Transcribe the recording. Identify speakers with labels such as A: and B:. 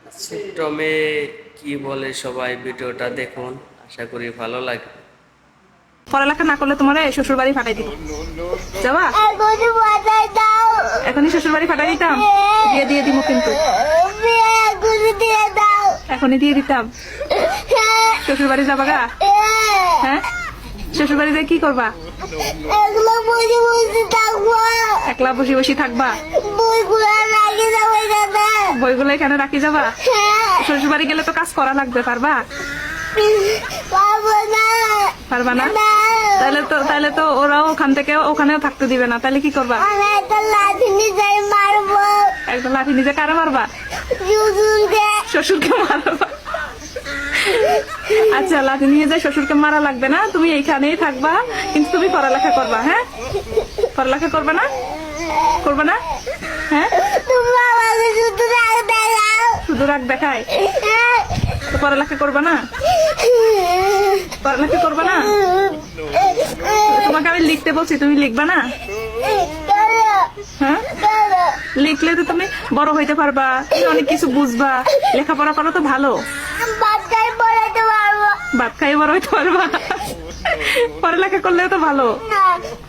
A: ছোট্ট মেয়ে কি বলে সবাই ভিডিওটা দেখুন, আশা করি ভালো লাগে।
B: পড়ালেখা না করলে তোমার শ্বশুর বাড়ি ফাটাই দিব। যাবা? এখনই শ্বশুর বাড়ি ফাটাই দিতাম। দিয়ে দিয়ে দিব কিন্তু এখনই দিয়ে দিতাম। শ্বশুর বাড়ি যাবা গা? হ্যাঁ, শ্বশুর বাড়িতে কি করবা? একলা বসে বসে থাকবা? বইগুলো এখানে রাখি যাবা? শ্বশুর বাড়ি গেলে তো কাজ করা লাগবে, পারবা? পারবা না? তাহলে তো ওরাও ওখান থেকে ওখানেও থাকতে দিবে না, তাহলে কি করবা? একটা লাঠি নিজে কারা মারবা? শ্বশুরকে মারবা। আচ্ছা, লাঠি নিয়ে যায় শ্বশুরকে মারা লাগবে না, তুমি এইখানেই থাকবা, কিন্তু তুমি পড়ালেখা করবা। হ্যাঁ, পড়ালেখা করবে না? করবে না? হ্যাঁ, শুধু রাগ দেখায় তো পড়ালেখা করবে না? পড়ালেখা করবে না? তোমাকে আমি লিখতে বলছি, তুমি লিখবা না? হ্যাঁ, লিখলে তো তুমি বড় হইতে পারবা, তুমি অনেক কিছু বুঝবা। লেখাপড়া করা তো ভালো। ভাত খাই বড় হইতে পারবা। পড়ালেখা করলেও তো ভালো।